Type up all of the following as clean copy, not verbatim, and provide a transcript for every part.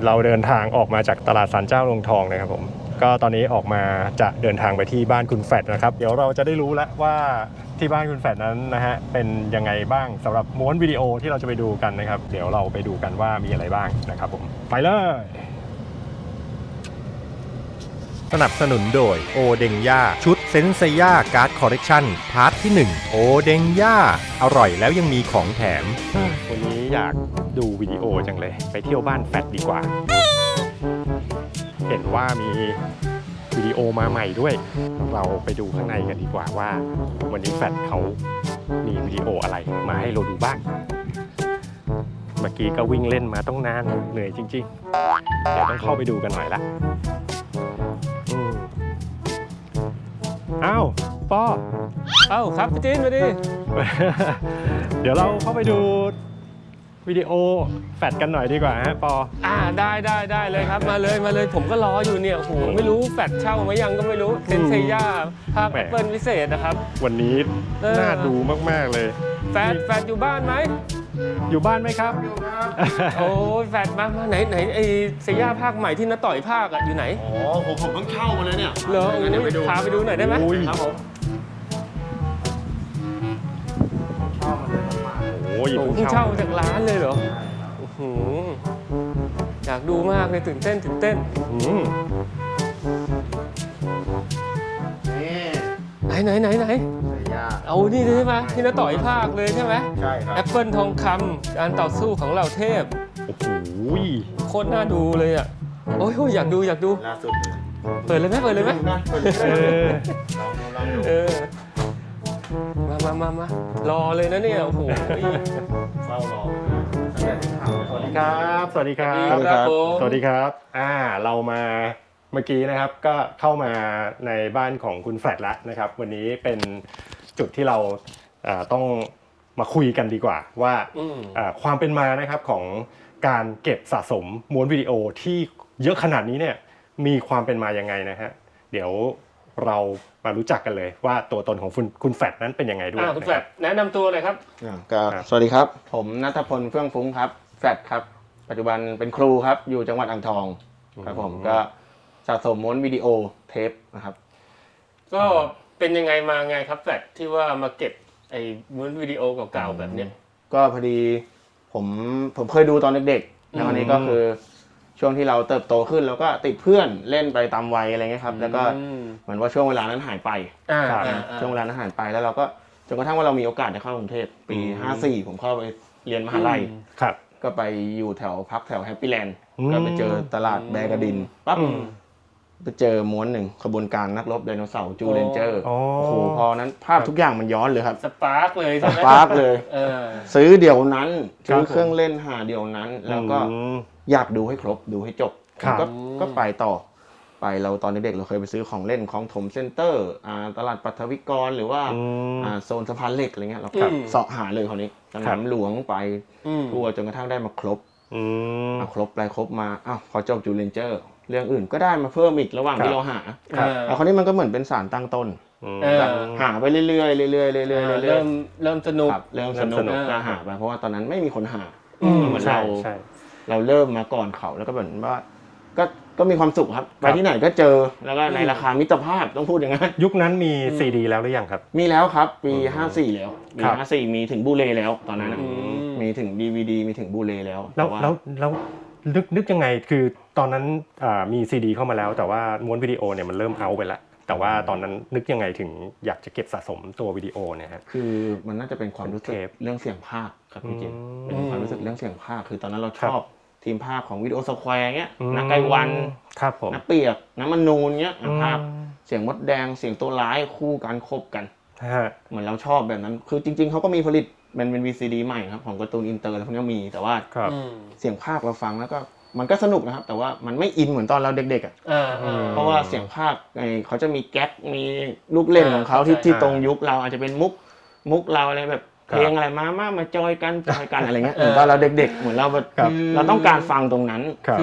เราเดินทางออกมาจากตลาดศาลเจ้าโรงทองนะครับผมก็ตอนนี้ออกมาจะเดินทางไปที่บ้านคุณแฟดนะครับเดี๋ยวเราจะได้รู้แล้วว่าที่บ้านคุณแฟดนั้นนะฮะเป็นยังไงบ้างสำหรับม้วนวิดีโอที่เราจะไปดูกันนะครับเดี๋ยวเราไปดูกันว่ามีอะไรบ้างนะครับผมไปเลยสนับสนุนโดยโอเดงย่าชุดเซนเซย่าการ์ดคอลเลกชันพาร์ทที่1โอเดงย่าอร่อยแล้วยังมีของแถมวันนี้อยากดูวิดีโอจังเลยไปเที่ยวบ้านแฟดดีกว่าเห็นว่ามีวิดีโอมาใหม่ด้วยเราไปดูข้างในกันดีกว่าว่าวันนี้แฟดเขามีวิดีโออะไรมาให้เราดูบ้างเมื่อกี้ก็วิ่งเล่นมาต้องนานเหนื่อยจริงๆเดี๋ยวต้องเข้าไปดูกันหน่อยละอ้าวปออ้าวครับพี่จีนมาดิเดี๋ยวเราเข้าไปดูวิดีโอแฟดกันหน่อยดีกว่าฮะปอได้เลยครับมาเลยผมก็รออยู่เนี่ยโอ้โหไม่รู้แฟดเช่ามายังก็ไม่รู้เซนเซย่าภาคแอปเปิลพิเศษนะครับวันนี้น่าดูมากๆเลยแฟดอยู่บ้านไหมอยู่บ้านไหมครับอยู่ครับโอ้แฟดมาไหนไอเซย่าภาคใหม่ที่น้าต่อยภาคอะอยู่ไหนอ๋อผมเพิ่งเข้ามาเลยเนี่ยเหรองั้นพาไปดูหน่อยได้ไหมครับผมเข้ามาเลยโอ้ยเพิ่งเช่าจากร้านเลยเหรออยากดูมากเลยตื่นเต้นไหนเอานี่ใช่ไหมที่น้าต่อยภาคเลยใช่ไหมใช่ครับแอปเปิลทองคำการต่อสู้ของเหล่าเทพโอ้โหโคตรน่าดูเลยอ่ะโอ้ยอยากดูล่าสุดเปิดเลยไหมลองมารอเลยนะเนี่ยโอ้โหเฝ้ารอสวัสดีครับสวัสดีครับเรามาเมื่อกี้นะครับก็เข้ามาในบ้านของคุณแฟดแล้วนะครับวันนี้เป็นจุดที่เราต้องมาคุยกันดีกว่าว่าความเป็นมานะครับของการเก็บสะสมม้วนวิดีโอที่เยอะขนาดนี้เนี่ยมีความเป็นมายังไงนะฮะเดี๋ยวเรามารู้จักกันเลยว่าตัวตนของคุณแฟดนั้นเป็นยังไงด้วยคุณแฟดแนะนำตัวเลยครับสวัสดีครับผมณัฐพลเฟื่องฟุ้งครับแฟดครับปัจจุบันเป็นครูครับอยู่จังหวัดอ่างทองครับผมก็สะสมม้วนวิดีโอเทปนะครับก็เป็นยังไงมาไงครับแฟดที่ว่ามาเก็บไอ้ม้วนวิดีโอเก่าๆแบบเนี้ยก็พอดีผมเคยดูตอนเด็กๆแล้ววันนี้ก็คือช่วงที่เราเติบโตขึ้นแล้วก็ติดเพื่อนเล่นไปตามวัยอะไรเงี้ยครับแล้วก็เหมือนว่าช่วงเวลานั้นหายไปช่วงเวลานั้นหายไปแล้วเราก็จนกระทั่งว่าเรามีโอกาสได้เข้ากรุงเทพปี54ผมเข้าไปเรียนมหาลัยก็ไปอยู่พักแถวแฮปปี้แลนด์ก็ไปเจอตลาดแบกระดินปั๊บไปเจอม้วนหนึ่งขบวนการนักรบไดโนเสาร์จูเลนเจอร์โอ้โหพอนั้นภาพทุกอย่างมันย้อนเลยครับสปาร์กเลยซื้อเดี๋ยวนั้นซื้อเครื่องเล่นหาเดี๋ยวนั้นแล้วก็อยากดูให้ครบดูให้จบก็ไปต่อไปเราตอนเด็กๆเราเคยไปซื้อของเล่นของถมเซ็นเตอร์ตลาดปัทวิกรหรือว่าโซนสะพานเหล็กอะไรเงี้ยเราเสาะหาเลยคราวนี้สนามหลวงไปทั่วจนกระทั่งได้มาครบครบไปครบมาพอจบจูเลนเจอร์เรื่องอื่นก็ได้มาเพิ่มอีกระหว่างที่เราหาคราวนี้มันก็เหมือนเป็นสารตั้งต้นหาไปเรื่อยๆเริ่มสนุกก็หาไปเพราะว่าตอนนั้นไม่มีคนหาเหมือนเราเริ่มมาก่อนเขาแล้วก็เหมือนว่าก็มีความสุขครับไปที่ไหนก็เจอแล้วก็ในราคามิตรภาพต้องพูดอย่างนั้นยุคนั้นมีซีดีแล้วหรือยังครับมีแล้วครับปี54แล้วปี54มีถึงบูเลแล้วตอนนั้นมีถึง DVD มีถึงบูเลแล้วแล้วนึกยังไงคือตอนนั้นมีซีดีเข้ามาแล้วแต่ว่าม้วนวิดีโอเนี่ยมันเริ่มเอาไปแล้วแต่ว่าตอนนั้นนึกยังไงถึงอยากจะเก็บสะสมตัววิดีโอเนี่ยฮะคือมันน่าจะเป็นความรู้สึกเรื่องเสียงภาคครับพี่เจนเป็นความรู้สึกเรื่องเสียงภาคคือตอนนั้นเราชอบทีมภาคของวิดีโอสแควร์เงี้ยนักไกวันนักเปียกน้ำมันนูนเงี้ยภาคเสียงมดแดงเสียงตัวร้ายคู่กันคบกันเหมือนเราชอบแบบนั้นคือจริงๆเขาก็มีผลิตเป็น VCD ใหม่ครับของการ์ตูนอินเตอร์แล้วพวกนี้มีแต่ว่าเสียงภาคเราฟังแล้วก็มันก็สนุกนะครับแต่ว่ามันไม่อินเหมือนตอนเราเด็กๆเพราะว่าเสียงภาคเขาจะมีแก๊กมีลูกเล่นของเขาที่ตรงยุคเราอาจจะเป็นมุกเราอะไรแบบเพลงอะไรมาจอยกันอะไรเงี้ยเหมือนตอนเราเด็กๆเหมือนเราแบบเราต้องการฟังตรงนั้นคือ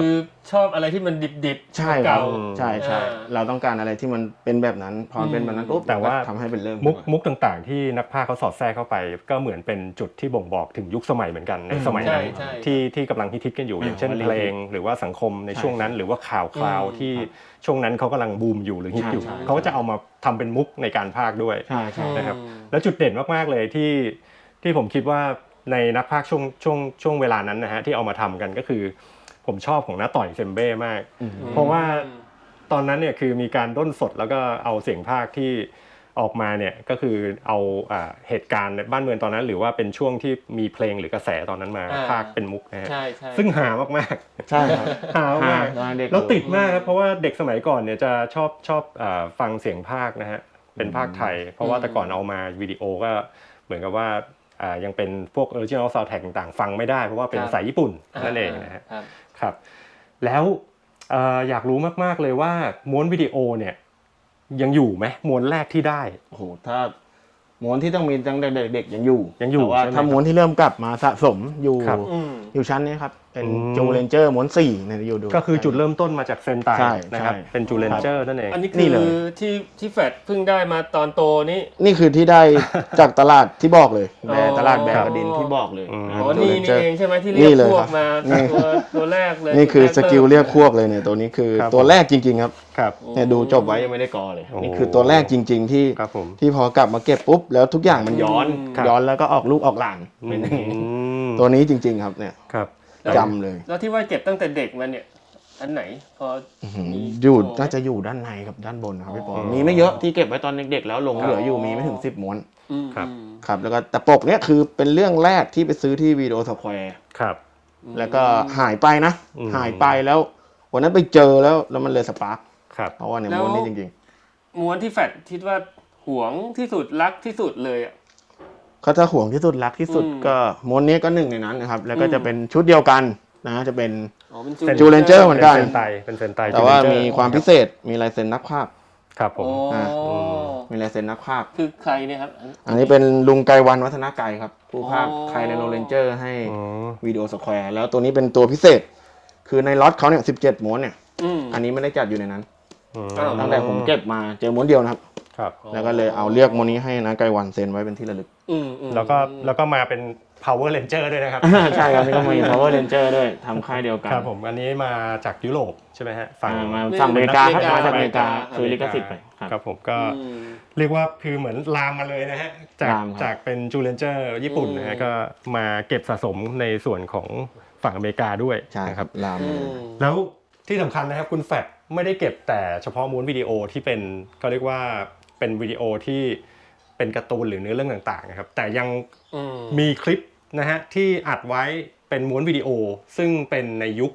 ชอบอะไรที่มันดิบๆใช่ครัเก่าบใช่เราต้องการอะไรที่มันเป็นแบบนั้นพอมันเป็นแบบนั้นปุ๊บแต่ว่าทำให้เป็นเริ่มมุกต่างๆที่นักพากย์เขาสอดแทรกเข้าไป ก็เหมือนเป็นจุดที่บ่งบอกถึงยุคสมัยเหมือนกันในสมัยนั้นใช่ที่กำลังฮิตๆกันอยู่อย่างเช่นเพลงหรือว่าสังคมในช่วงนั้นหรือว่าข่าวคราวที่ช่วงนั้นเขากำลังบูมอยู่หรือฮิตอยู่เขาก็จะเอามาทำเป็นมุกในการพากย์ด้วยใช่นะครับแล้วจุดเด่นมากๆเลยที่ผมคิดว่าในนักพากย์ช่วงเวลานั้นนะฮะที่เอามาทำกันก็คือผมชอบของน้าต่อยเซมเบ้มาก เพราะว่าตอนนั้นเนี่ยคือมีการด้นสดแล้วก็เอาเสียงพากย์ที่ออกมาเนี่ยก็คือเอาเหตุการณ์ในบ้านเมืองตอนนั้น หรือว่าเป็นช่วงที่มีเพลงหรือกระแสตอนนั้นมาพากย์เป็นมุกนะฮะใช่ซึ่งหามากๆใช่ครับหามากตอนเด็กแล้วติดมากครับเพราะว่าเด็กสมัยก่อนเนี่ยจะชอบฟังเสียงพากย์นะฮะเป็นพากย์ไทย เพราะว่าแต่ก่อนเอามาวิดีโอก็เหมือนกับว่ายังเป็นพวก original soundtrack ต่างๆฟังไม่ได้เพราะว่าเป็นภาษาญี่ปุ่นนั่นเองนะฮะครับแล้วอยากรู้มากๆเลยว่าม้วนวิดีโอเนี่ยยังอยู่ไหมม้วนแรกที่ได้โอ้โหถ้าม้วนที่ต้องมีตั้งแต่เด็กๆยังอยู่แต่ว่าว่าถ้าม้วนที่เริ่มกลับมาสะสมอยู่ครับอยู่ชั้นนี้ครับเป็นอืมจูเลนเจอร์ม้วน4เนี่ยอยู่ดูก็คือจุดเริ่มต้นมาจากเซนไตใช่นะครับใช่เป็นจูเลนเจอร์นั่นเองอันนี้นี่คือเลยที่แฟดเพิ่งได้มาตอนโตนี่นี่คือที่ได้ จากตลาดที่บอกเลยแบอ๋ร์อตลาดแบร์กระดินที่บอกเลยอืมนะอ๋อจูนี่เลนเจอร์เองใช่ไหมที่นี่เรียกเลยพวครักบมานี่ตัวแรกเลยนี่คือสกิลเรียกพวกเลยเนี่ยตัวนี้คือครับตัวแรกจริงๆครับครับเนี่ยดูจบไว้ยังไม่ได้กอเลยโอ้นี่คือตัวแรกจริง ๆ ที่ครับผมที่พอกลับมาเก็บปุ๊บแล้วทุกอย่างมันย้อนครับย้อนแล้วก็ออกลูกออกหลานเป็นอย่างนี้มตัวนี้จริง ๆ ครับเนี่ยครับจำเลยแล้วที่ว่าเก็บตั้งแต่เด็กมาเนี่ยอันไหนพอมีอยู่โชว์ไหมน่าจะอยู่ด้านในกับด้านบนนะครับพี่ปออ๋อมีไม่เยอะที่เก็บไว้ตอนเด็กๆแล้วหลงเหลืออยู่มีไม่ถึง10ม้วนครับครับแล้วก็แต่ปกเนี่ยคือเป็นเรื่องแรกที่ไปซื้อที่วีดีโอสแควร์ครับแล้วก็หายไปนะอืมหายไปแล้ววันนั้นไปเจอแล้วมันเลยสปาร์คครับเพราะว่าเนี่ยม้วนนี้จริงม้วนที่แฟดคิดว่าหวงที่สุดรักที่สุดเลยอ่ะๆเขาถ้าห่วงที่สุดรักที่สุดก็ม้วนนี้ก็หนึ่งในนั้นนะครับแล้วก็จะเป็นชุดเดียวกันนะจะเป็นอ๋อเป็นจูเลนเจอร์เหมือนกันเป็นเซนไตแต่ว่าจูเลนเจอร์มีความพิเศษมีลายเซ็นนักภาพครับผมอ๋อมีลายเซ็นนักภาพคือใครเนี่ยครับอันนี้เป็นลุงไกรวันวัฒนาไกรครับผู้ภาคอ๋อไทยในโรเลนเจอร์ให้อ๋อวิดีโอสแควร์แล้วตัวนี้เป็นตัวพิเศษ คือในล็อตเขาเนี่ย17ม้วนเนี่ย อันนี้ไม่ได้จัดอยู่ในนั้นอ้าวตั้งแต่ผมเก็บมาเจอม้วนเดียวนะครับครับแล้วก็เลยเอาเลือกม้วนนี้ให้นะไกรวันเซ็นไว้เป็นที่ระลึกแล้วก็มาเป็น Power Ranger ด้วยนะครับใช่ครับนี่ก็มี Power Ranger ด้วยทำค่ายเดียวกันครับผมอันนี้มาจากยุโรปใช่ไหมฮะฝั่งมาฝั่งอเมริกาครับอเมริกามาจากอเมริกาซื้อลิขสิทธิ์ไปครับครับผมก็เรียกว่าคือเหมือนลามมาเลยนะฮะจากลามครับจากเป็นจูเลนเจอร์ญี่ปุ่นนะฮะก็มาเก็บสะสมในส่วนของฝั่งอเมริกาด้วยใช่นะครับลามมาเลยแล้วที่สำคัญนะครับคุณแฟดไม่ได้เก็บแต่เฉพาะม้วนวิดีโอที่เป็นเขาเรียกว่าเป็นวิดีโอที่เป็นการ์ตูนหรือเนื้อเรื่องต่างๆนะครับแต่ยังมีคลิปนะฮะที่อัดไว้เป็นม้วนวิดีโอซึ่งเป็นในยุค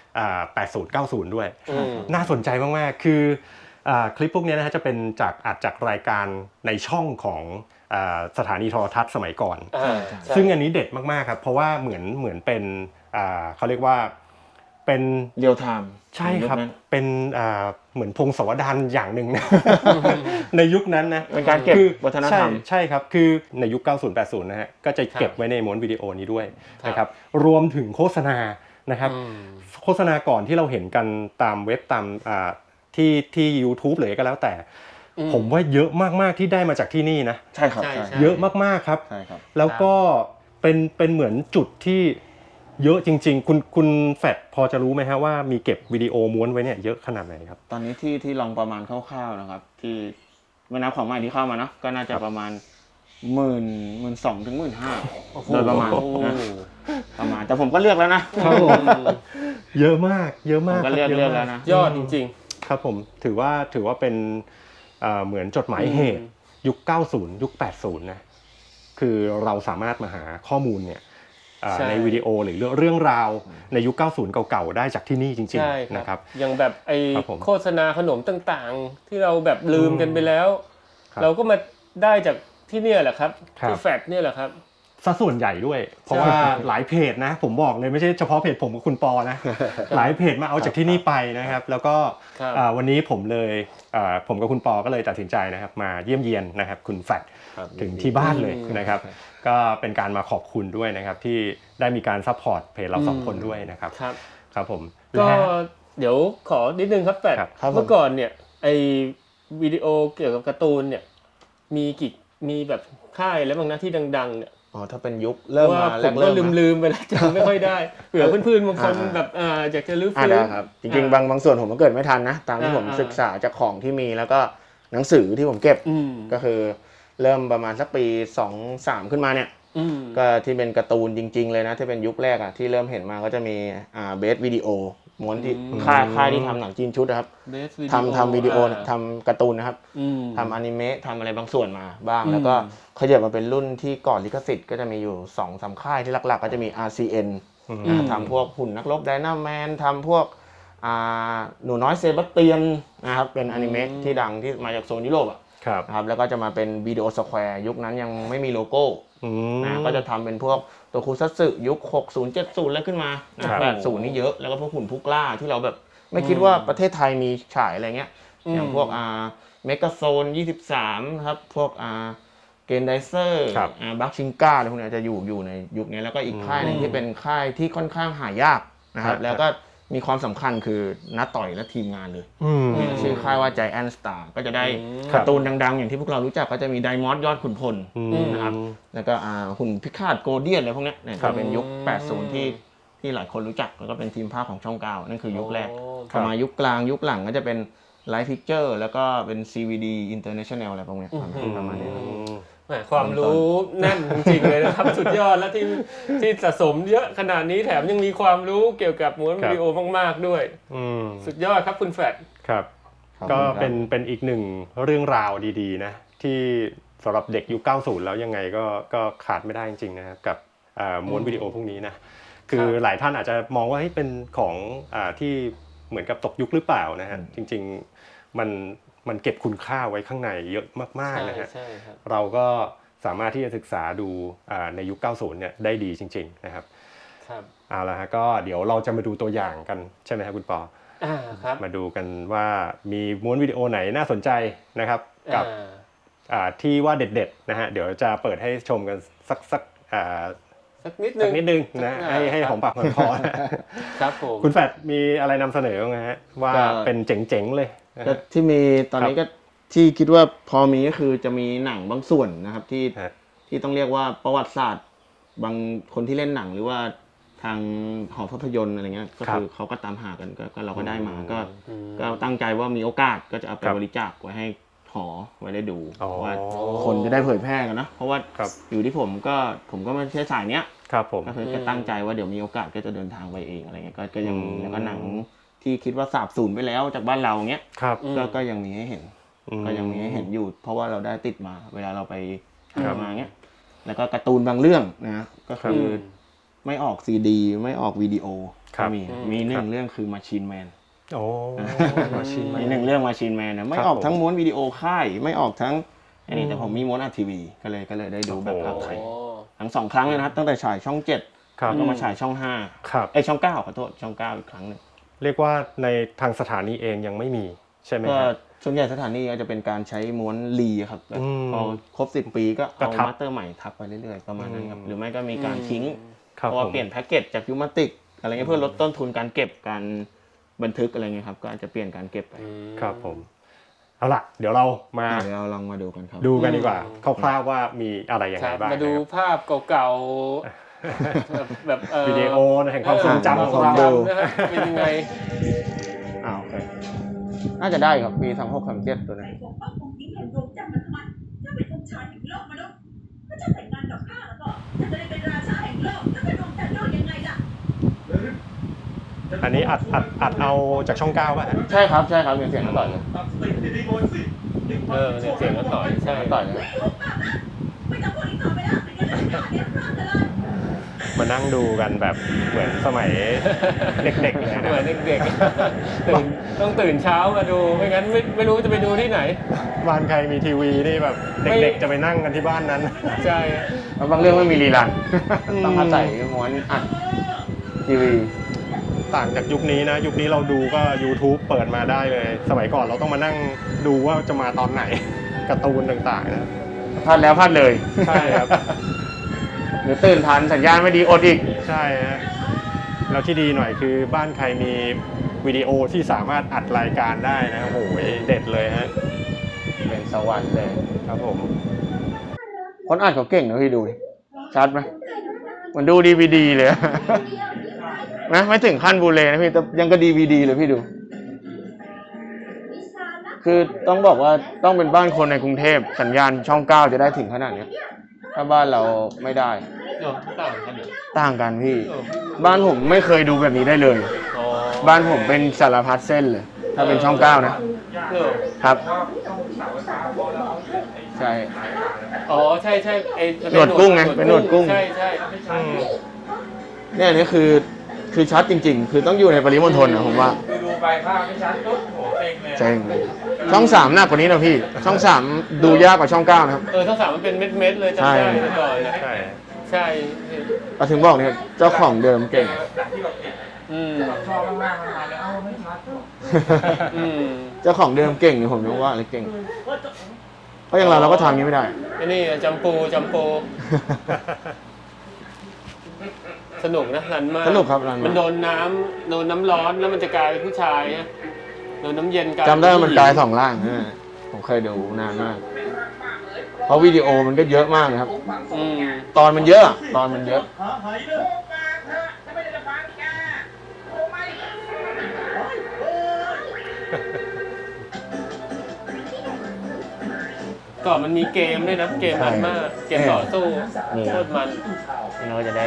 80-90 ด้วยน่าสนใจมากๆคือคลิปพวกนี้นะฮะจะเป็นอัดจากรายการในช่องของสถานีโทรทัศน์สมัยก่อนซึ่งอันนี้เด็ดมากๆครับเพราะว่าเหมือนเป็นเขาเรียกว่าเป็นเรียลไทม์ใช่ครับเป็นเหมือนพงศาวดารอย่างหนึ่งนะ ในยุคนั้นนะเป็นการเก็บวัฒนธรรมใช่ครับคือในยุค 90-80 นะฮะก็จะเก็บไว้ในม้วนวิดีโอนี้ด้วยนะครับรวมถึงโฆษณานะครับโฆษณาก่อนที่เราเห็นกันตามเว็บตามที่ YouTube เลยก็แล้วแต่ผมว่าเยอะมากๆที่ได้มาจากที่นี่นะใช่ครับใช่เยอะมากๆครับใช่ครับแล้วก็เป็นเหมือนจุดที่เยอะจริงๆคุณแฟดพอจะรู้ไหมฮะว่ามีเก็บวิดีโอม้วนไว้เนี่ยเยอะขนาดไหนครับตอนนี้ที่ลองประมาณคร่าวๆนะครับที่ไม่นับของใหม่ที่เข้ามาเนาะก็น่าจะประมาณ12,000 ถึง 15,000โดยประมาณนะประมาณแต่ผมก็เลือกแล้วนะครับผมเยอะมากเยอะผมมากก็เลือกครับแล้วนะยอดจริงครับผมถือว่าเป็นเหมือนจดหมายเหตุยุค 90 ยุค 80 นะคือเราสามารถมาหาข้อมูลเนี่ยในวิดีโอหรือเรื่องราวในยุค 90 เก่าๆได้จากที่นี่จริงใช่ๆนะครับอย่างแบบไอ้ครับผมโฆษณาขนมต่างๆ ที่เราแบบลืมกันไปแล้วครับเราก็มาได้จากที่เนี่ยแหละครับครับที่แฟดเนี่ยแหละครับซะส่วนใหญ่ด้วย เพราะว่าหลายเพจนะผมบอกเลยไม่ใช่เฉพาะเพจผมกับคุณปอนะ หลายเพจมาเอาจากที่นี่ไปนะครับ แล้วก็ครับวันนี้ผมกับคุณปอก็เลยตัดสินใจนะครับมาเยี่ยมเยียนนะครับคุณแฟดถึงที่บ้านเลยนะครับ ก็เป็นการมาขอบคุณด้วยนะครับที่ได้มีการซัพพอร์ตเพจเราสองคนด้วยนะครับครับครับผมก็และเดี๋ยวขอนิดนึงครับแฟดครับผมเมื่อก่อนเนี่ยไอวิดีโอเกี่ยวกับการ์ตูนเนี่ยมีแบบค่ายแล้วบางนะที่ดังๆเนี่ยอ๋อถ้าเป็นยุคเริ่มว่ามาผแรมกก็เริ่มลืมไปแล้วจำไม่ค่อยได้เผื่อเพื่อนๆบางคนแบบอยากจะลื้อฟื้นได้ครับจริงๆบางส่วนผมก็เกิดไม่ทันนะตามที่ผมศึกษาจากของที่มีแล้วก็หนังสือที่ผมเก็บ ก็คือเริ่มประมาณสักปี2-3ขึ้นมาเนี่ยก็ที่เป็นการ์ตูนจริงๆเลยนะที่เป็นยุคแรกอ่ะที่เริ่มเห็นมาก็จะมีเบสวิดีโอม้วนที่ค่ายที่ทำหนังจีนชุดนะครับทำวิดีโอทำการ์ตูนนะครับทำอนิเมะทำอะไรบางส่วนมาบ้างแล้วก็ขยับมาเป็นรุ่นที่ก่อนลิขสิทธิ์ก็จะมีอยู่ 2-3 ค่ายที่หลักๆก็จะมี RCN ทำพวกหุ่นนักรบไดนาแมนทำพวกหนูน้อยเซบาสเตียนนะครับเป็นอนิเมะที่ดังที่มาจากโซนยุโรปอ่ะนะครับแล้วก็จะมาเป็นวิดีโอสแควร์ยุคนั้นยังไม่มีโลโก้นะก็จะทำเป็นพวกตัวคูซัตสึยุค60 70แล้วขึ้นมา80นี่เยอะแล้วก็พวกหุ่นผู้กล้าที่เราแบบไม่คิดว่าประเทศไทยมีฉายอะไรเงี้ยอย่างพวกเมกาโซน23ครับพวกเกนไดเซอร์บัคชิงก้าอะไรพวกนี้จะอยู่ในยุคนี้แล้วก็อีกค่ายหนึงที่เป็นค่ายที่ค่อนข้างหายากนะครับแล้วก็มีความสำคัญคือนัดต่อยและทีมงานเลยชื่อค่ายว่า Giant Star ก็จะได้การ์ตูนดังๆอย่างที่พวกเรารู้จักก็จะมีไดมอสยอดขุนพลนะครับแล้วก็หุ่นพิฆาตโกลเดียนอะไรพวกนี้เนี่ยจะเป็นยุค80ที่หลายคนรู้จักแล้วก็เป็นทีมภาคของช่อง9นั่นคือยุคแรกพอมายุคกลางยุคหลังก็จะเป็นไลฟ์พิกเจอร์แล้วก็เป็น CVD International อะไรพวกนี้ประมาณนี้ความรู้แน่นจริงๆเลยนะครับ สุดยอดแล้วที่สะสมเยอะขนาดนี้แถมยังมีความรู้เกี่ยวกับม้วนวิดีโอมากๆด้วยสุดยอดครับคุณแฟดครับก็เป็นอีกหนึ่งเรื่องราวดีๆนะที่สำหรับเด็กยุค 90 แล้วยังไงก็ขาดไม่ได้จริงๆนะครับกับม้วนวิดีโอพวกนี้นะคือหลายท่านอาจจะมองว่าเป็นของที่เหมือนกับตกยุคหรือเปล่านะฮะจริงๆมันเก็บคุณค่าไว้ข้างในเยอะมากๆนะฮะเราก็สามารถที่จะศึกษาดูในยุค 90 เนี่ยได้ดีจริงๆนะครับเอาละฮะก็เดี๋ยวเราจะมาดูตัวอย่างกันใช่ไหมครับคุณปอมาดูกันว่ามีม้วนวิดีโอไหนน่าสนใจนะครับกับที่ว่าเด็ดๆนะฮะเดี๋ยวจะเปิดให้ชมกันสักนิดนึงนะให้หอมปากหอมคอครับผมคุณแฟดมีอะไรนำเสนอไหมฮะว่าเป็นเจ๋งๆเลยที่มีตอนนี้ก็ที่คิดว่าพอมีก็คือจะมีหนังบางส่วนนะครับที่ต้องเรียกว่าประวัติศาสตร์บางคนที่เล่นหนังหรือว่าทางหอภาพยนตร์อะไรเงี้ยก็คือเขาก็ตามหากันก็เราก็ได้มาก็ตั้งใจว่ามีโอกาสก็จะเอาไปบริจาคไว้ให้หอไว้ได้ดูว่าคนจะได้เผยแพร่กันนะเพราะว่าอยู่ที่ผมก็ไม่ใช่สายเนี้ยก็คือตั้งใจว่าเดี๋ยวมีโอกาสก็จะเดินทางไปเองอะไรเงี้ยก็ยังมีแล้วก็หนังที่คิดว่าสาบสูญไปแล้วจากบ้านเราเงี้ยก็ยังมีให้เห็นก็ยังมีให้เห็นอยู่เพราะว่าเราได้ติดมาเวลาเราไปมาเงี้ยแล้วก็การ์ตูนบางเรื่องนะก็คือไม่ออกซีดีไม่ออกวิดีโอก็มีหนึ่งเรื่องคือMachine Man Machine Man หนึ่งเรื่องMachine Manนะไม่ออกทั้งม้วนวิดีโอค่ายไม่ออกทั้งอันนี้แต่ผมมีม้วนทีวีก็เลยได้ดูแบบภาคไทยทั้ง2ครั้งเลยนะครับตั้งแต่ฉายช่อง7แล้วก็มาฉายช่อง5ช่อง9ขอโทษช่อง9อีกครั้งนึงเรียกว่าในทางสถานีเองยังไม่มีใช่ไหมก็ส่วนใหญ่สถานีก็จะเป็นการใช้ม้วนรีครับพอครบ10 ปีก็เอามาสเตอร์ใหม่ทับไปเรื่อยๆประมาณนั้นครับหรือไม่ก็มีการทิ้งเพราะว่าเปลี่ยนแพ็กเกจจากยูมาติกอะไรเงี้ยเพื่อลดต้นทุนการเก็บการบันทึกอะไรเงี้ยครับก็อาจจะเปลี่ยนการเก็บไปครับผมเอาล่ะเดี๋ยวเราลองมาดูกันครับดูกันดีกว่าคร่าวๆว่ามีอะไรยังไงบ้างมาดูภาพเก่าๆแบบวิดีโอแห่งความทรงจำของเราเป็นยังไงโอเคน่าจะได้ครับปี2637ตัวนี้อันนี้อัดเอาจากช่อง9ป่ะใช่ครับมีเสียงต่อยเลยเสียงต่อยใช่ต่อยเลยมานั่งดูกันแบบเหมือนสมัยเด็กๆเลยนะเหมือนเด็กๆต้องตื่นเช้ามาดูไม่งั้นไม่รู้จะไปดูที่ไหนบ้านใครมีทีวีนี่แบบเด็กๆจะไปนั่งกันที่บ้านนั้นใช่บางเรื่องไม่มีรีลันต้องอาศัยม้วนอัดทีวีต่างจากยุคนี้นะยุคนี้เราดูก็ YouTube เปิดมาได้เลยสมัยก่อนเราต้องมานั่งดูว่าจะมาตอนไหนการ์ตูนต่างๆนะพลาดแล้วพลาดเลยใช่ครับหรือตื่นทันสัญญาณไม่ดีอดอีกใช่ฮะแล้วที่ดีหน่อยคือบ้านใครมีวิดีโอที่สามารถอัดรายการได้นะโอ้โหเด็ดเลยฮะเป็นสวรรค์เลยครับผมคนอัดเขาเก่งนะพี่ดูดิชัดไหมมันดูดีวีดีเลยนะไม่ถึงขั้นบูเลนะพี่แต่ยังก็ดีวีดีเลยพี่ดู คือต้องบอกว่าต้องเป็นบ้านคนในกรุงเทพสัญญาณช่อง 9จะได้ถึงขนาดนี้ถ้าบ้านเราไม่ได้ต่างกันเหรอต่างกันพี่ บ้านผมไม่เคยดูแบบนี้ได้เลยอ๋อบ้านผมเป็นสารพัดเส้นเลย ถ้าเป็นช่อง 9นะ ครับ ใช่อ๋อใช่ใช่ไอ้หนวดกุ้งไงเป็นหนวดกุ้งใช่ใช่เนี่ยอันนี้คือชัดจริงๆ คือต้องอยู่ในปริมณฑลนะผมว่าดูไปภาพไม่ชัดปุ๊บโหเซ็งเลยเจ๋งช่อง 3หนักกว่านี้นะพี่ ช่อง 3 ดูยากกว่าช่อง 9นะครับทั้งสามมันเป็นเม็ดๆเลยจำได้แต่ก่อนนะใช่ใช่เราถึงบอกเนี่ยเจ้าของเดิมเก่งจากที่แบบเห็นอืมชอบมากๆมันมาแล้วเอ้าไม่ชัดอืมเจ้าของเดิมเก่งเนี่ยผมยังว่าเลยเก่ง เพราะอย่างเราก็ทำอย่างนี้ไม่ได้ไอ้นี่จำปูสนุกนะรันมากสนุกครับรันมากมันโดนน้ำร้อนแล้วมันจะกลายเป็นผู้ชายนะโดนน้ำเย็นกลายจำได้ว่ามันกลาย2ร่างผมเคยดูนานมาก เพราะวิดีโอมันก็เยอะมากนะครับอืมตอนมันเยอะ ตอนมันเยอะก่อนมันมีเกมด้วยนะเกมมันมากเกมต่อสู้นี่โคตรมันเราจะได้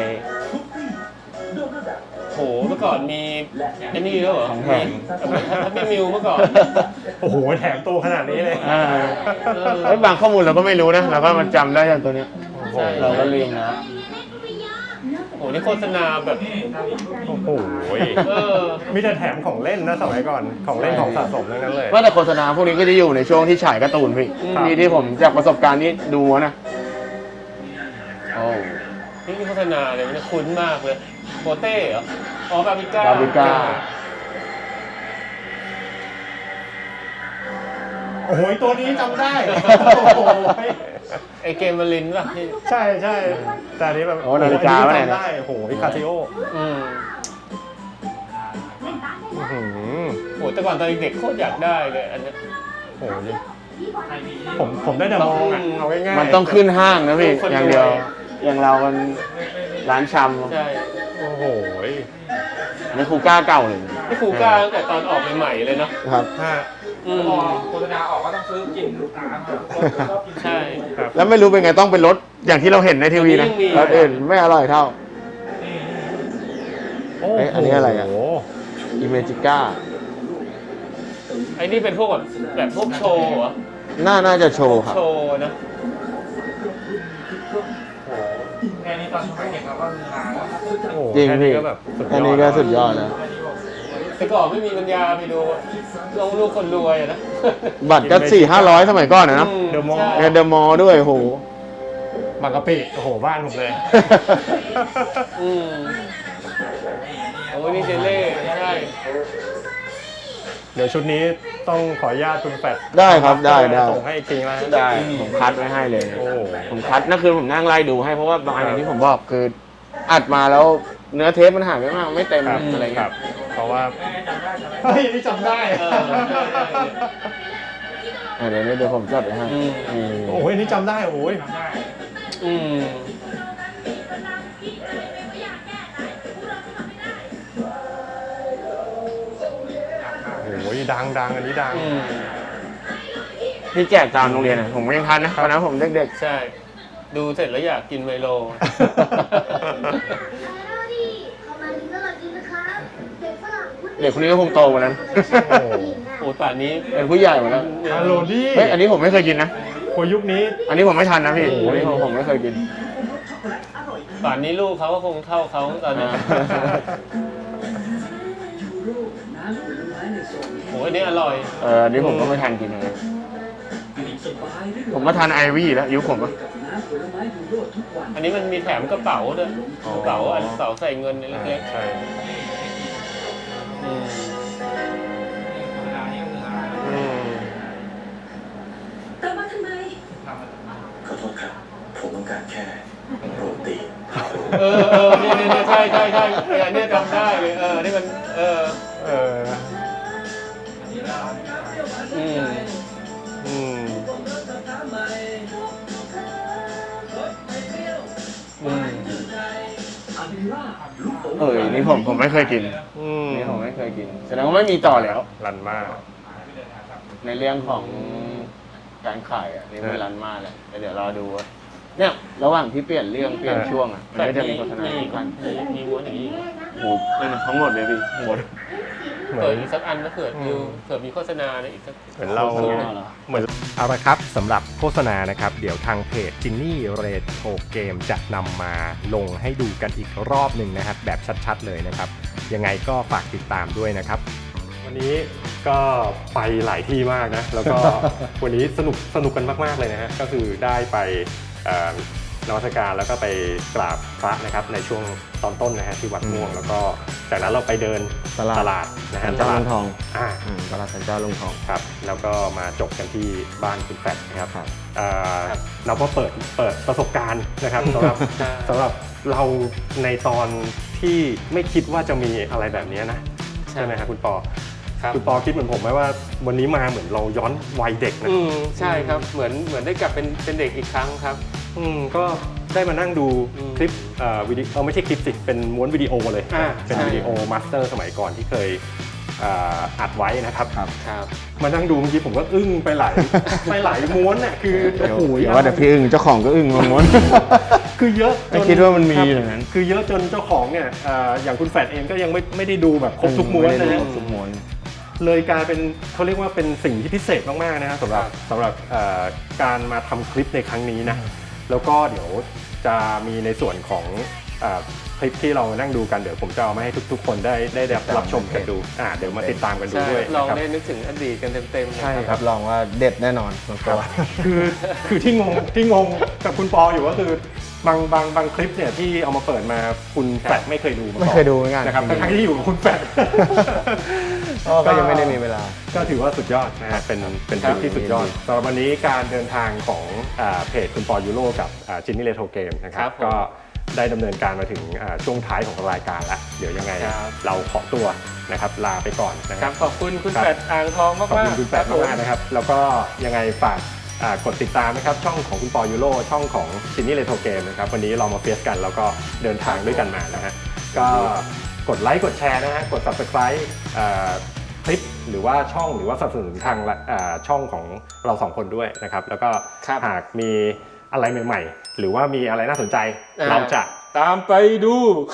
โหเมื่อก่อนมีไอ้นี่ด้วยเหรอของแถมทัพปี้มิวเมื่อก่อนโอ้โหแถมตัวขนาดนี้เลยเฮ้ยบางข้อมูลเราก็ไม่รู้นะเราก็มันจำได้จากตัวนี้ใช่เราก็ลืมนะโหนี่โฆษณาแบบโอ้โหเออมีแต่แถมของเล่นนะสมัยก่อนของเล่นของสะสมทั้งนั้นเลยว่าแต่โฆษณาพวกนี้ก็จะอยู่ในช่วงที่ฉายการ์ตูนพี่ครับที่ผมจากประสบการณ์นี้ดูนะโอ้นี่โฆษณาเลยมันคุ้นมากเลยโปเต้เหรออ๋อบาบิก้าบาบิก้าโอ้โหตัวนี้จำได้โอ้โหไอเกมมาลินป่ะที่ใช่ใช่แต่อันนี้แบบโอ้นาฬิกาอัวะนเนี่นี้ยจำได้โอ้โหพิคาซิโออืมอื้อหือโหแต่ก่อนตอนเด็กๆโคตรอยากได้เลยอันเนี้ยโอ้โหผมได้แต่มองอ่ะเอาง่ายๆมันต้องขึ้นห้างนะพี่คนรวยอย่างเดียว อย่างเรามันร้านชใช่โอ้โหำนี่คูก้าเก่าเลยนี่ครูก้าตั้งแต่ตอนออกใหม่ๆเลยเนาะครับฮะอืมพอโฆษณาออกก็ต้องซื้อกินตามอ่ะชอบกินใช่ครับแล้วไม่รู้เป็นไงต้องเป็นรถอย่างที่เราเห็นในทีวีนะยังมีรถอื่นไม่อร่อยเท่าโอ้เอ๊ะอันนี้อะไรอ่ะโโหอิเมจิก้าไอ้นี่เป็นพวกแบบพวกโชว์เหรอน่าจะโชว์ครับโชว์นะแค่นี้ตอนไม่เห็นเราก็คือหาแล้วโอ้โหจริงแค่พี่นี้ก็แบบสุดยอดอันนี้ก็สุดยอดแล้วแต่ก่อนไม่มีปัญญาไปดูลูกคนรวยอะนะบัตรก็400-500สมัยก่อนนะเดอะมอลล์ใช่ในเดอะมอลล์ด้วยโหบางกะปิโอ้โหบ้านผมเลยอืมโอ้ยนี่เจเล่ใช่เดี๋ยวชุดนี้ต้องขออนุญาตคุณแฟดได้ครับได้ส่งให้อีกทีนะได้ผมคัดไว้ให้เลยโอ้โหผมคัดนั่นคือผมนั่งไล่ดูให้เพราะว่าบางอันอย่างที่ผมบอกคืออัดมาแล้วเนื้อเทปมันหายไปมากไม่เต็มครับอะไรคเงี้รัยบ เพราะว่าเฮ้ยนี่จำได้เดี๋ยวผมจดไว้ให้โอ้ยนี่จำได้โอ้ยอืมโอ้ยดังอันนี้ดังอืมที่แจกตามโรงเรียนผมยังทันนะตอนนั้นผมเด็กใช่ ดูเสร็จแล้วอยากกินไมโลเด็กคนนี้ก็คงโตกว่านั้นโอ้โหโอ้ป่านนี้เป็นผู้ใหญ่หมดแล้วฮัลโหลดี้เฮ้ยอันนี้ผมไม่เคยกินนะโอ้ยยุคนี้อันนี้ผมไม่ทันนะพี่โอ้โหอันนี้ผมไม่เคยกินป่านนี้ลูกเขาก็คงเท่าเขาตอนนี้ โอ้ยอันนี้อร่อยอันนี้ผมก็ไม่ทันกินเลยผมมาทานไอวี่แล้วยุคผมอะอันนี้มันมีแถมกระเป๋าด้วยกระเป๋าอันกระเป๋าใส่เงินเล็กใช่ๆอืมอืมกลับมาทำไมขอโทษครับ ผมต้องการแค่โรตีเนี่ยใช่อันนี้จำได้เลยนี่มันเอออืมนี่ผมไม่เคยกิน นี่ผมไม่เคยกินแสดงว่าไม่มีต่อแล้วรันมากในเรื่องของการขายอ่ะนี่ไม่รันมากเลยแต่เดี๋ยวรอดูว่าเนี่ยระหว่างที่เปลี่ยนเรื่องเปลี่ยนช่วงอ่ะมันก็จะมีโฆษณาอีกอันมีม้วนอย่างนี้โอ้โหนั่นนะทั้งหมดเลยพี่หมดเปิดอีกสักอันก็เผื่อดูเผื่อมีโฆษณาในอีกสักเหมือนเราเหมือนเอาละครับสำหรับโฆษณานะครับเดี๋ยวทางเพจจินนี่เรทโ o เกมจะนำมาลงให้ดูกันอีกรอบหนึ่งนะครับแบบชัดๆเลยนะครับยังไงก็ฝากติดตามด้วยนะครับ วันนี้ก็ไปหลายที่มากนะแล้วก็ วันนี้สนุกกันมากๆเลยนะฮะก็คือได้ไปนมัสการแล้วก็ไปกราบพระนะครับในช่วงตอนต้นนะฮะที่วัดม่วงแล้วก็จากนั้นเราไปเดินตลาดนะฮะเจ้าลุงทองตลาดตลาดสันเจ้าลุงทองครับแล้วก็มาจบกันที่บ้านคุณแฟดนะครับเราก็เปิดประสบการณ์นะครับสำหรับเราในตอนที่ไม่คิดว่าจะมีอะไรแบบนี้นะใช่ไหมครับคุณปอคุณปอคิดเหมือนผมไหมว่าวันนี้มาเหมือนเราย้อนวัยเด็กนะใช่ครับเหมือนได้กลับเป็นเด็กอีกครั้งครับก็ได้มานั่งดูคลิปวิดีโอไม่ใช่คลิปสิเป็นม้วนวิดีโอเลยเป็นวิดีโอมาสเตอร์สมัยก่อนที่เคยอัดไว้นะครับมานั่งดูเมื่อกี้ผมก็อึ้งไปหลายม้วนน่ะคือโอ้โหว่าแต่พี่อึ้งเจ้าของก็อึ้งม้วนคือเยอะไม่คิดว่ามันมีอย่างนั้นคือเยอะจนเจ้าของเนี่ยอย่างคุณแฟดเองก็ยังไม่ได้ดูแบบครบทุกม้วนนะทุกม้วนเลยกลายเป็นเขาเรียกว่าเป็นสิ่งที่พิเศษมากๆนะครับสำหรับการมาทำคลิปในครั้งนี้นะแล้วก็เดี๋ยวจะมีในส่วนของคลิปที่เรานั่งดูกันเดี๋ยวผมจะเอามาให้ทุกๆคนได้รับชมกันดูเดี๋ยวมาติดตามกันดูด้วยลองได้นึกถึงอดีตกันเต็มๆใช่ครับลองว่าเด็ดแน่นอนตัวคือที่งงกับคุณปออยู่ก็คือบางคลิปเนี่ยที่เอามาเปิดมาคุณแฟดไม่เคยดูมาก่อนไม่เคยดูเหมือนกันนะครับทั้งที่อยู่กับคุณแฟดก็ยังไม่ได้มีเวลาก็ถือว่าสุดยอดนะฮะเป็นคลิปที่สุดยอดสำหรับวันนี้การเดินทางของเพจคุณปอยูโรกับจินนี่เรโทรเกมนะครับก็ได้ดำเนินการมาถึงช่วงท้ายของรายการแล้วเดี๋ยวยังไงเราขอตัวนะครับลาไปก่อนนะครับขอบคุณคุณแฟดอ่างทองมากๆขอบคุณคุณแฟดมากๆนะครับแล้วก็ยังไงฝากกดติดตามนะครับช่องของคุณปอยูโรช่องของจินนี่เรโทรเกมนะครับวันนี้เรามาเฟียสกันแล้วก็เดินทางด้วยกันมานะฮะก็กดไลค์กดแชร์นะฮะกด Subscribe คลิปหรือว่าช่องหรือว่าสนับสนุนทางช่องของเรา2คนด้วยนะครับแล้วก็หากมีอะไรใหม่ๆหรือว่ามีอะไรน่าสนใจเราจะตามไปดู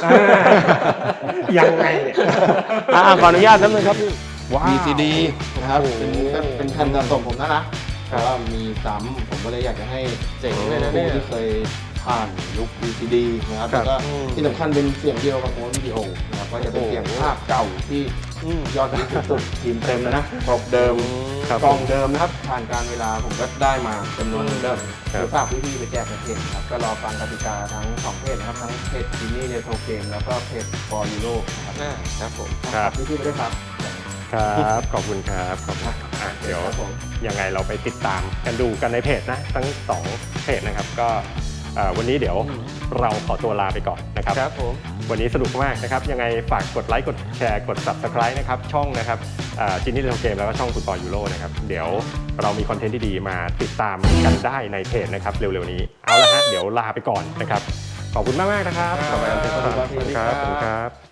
ยังไงเนี่ยขออนุญาตนิดนึงครับมีซีดีนะครับเป็นแผ่นสะสมผมนะเพราะว่ามีซ้ำผมก็เลยอยากจะให้เจ๋งเลยนะเนี่ยที่เคยผ่านยุค VCD นะครับแล้วก็ที่สำคัญเป็นเสียงเดียวกับโม้วนวิดีโอนะครับก็จะเป็นเสียงภาพเก่าที่ยอดฮิตสุดทีมเต็มนะครบเดิมกล่องเดิมนะครับผ่านการเวลาผมก็ได้มาจำนวนเดิมเดี๋ยวฝากพี่ๆไปแจกในเพจครับก็รอฟังกติกาทั้ง2เพจนะครับทั้งเพจจินนี่เรโทรเกมแล้วก็เพจฟอร์ยูโรครับผมครับพี่ๆไปด้วยครับครับขอบคุณครับขอบคุณเดี๋ยวยังไงเราไปติดตามกันดูกันในเพจนะทั้ง2เพจนะครับก็วันนี้เดี๋ยวเราขอตัวลาไปก่อนนะครับครับผมวันนี้สนุกมากนะครับยังไงฝากกดไลค์กดแชร์กด Subscribe นะครับช่องนะครับจินนี่เรโทรเกมแล้วก็ช่องคุณปอยูโรนะครับเดี๋ยวเรามีคอนเทนต์ที่ดีมาติดตามกันได้ในเพจนะครับเร็วๆนี้เอาละฮะเดี๋ยวลาไปก่อนนะครับขอบคุณมากๆนะครับสวัสดีครับ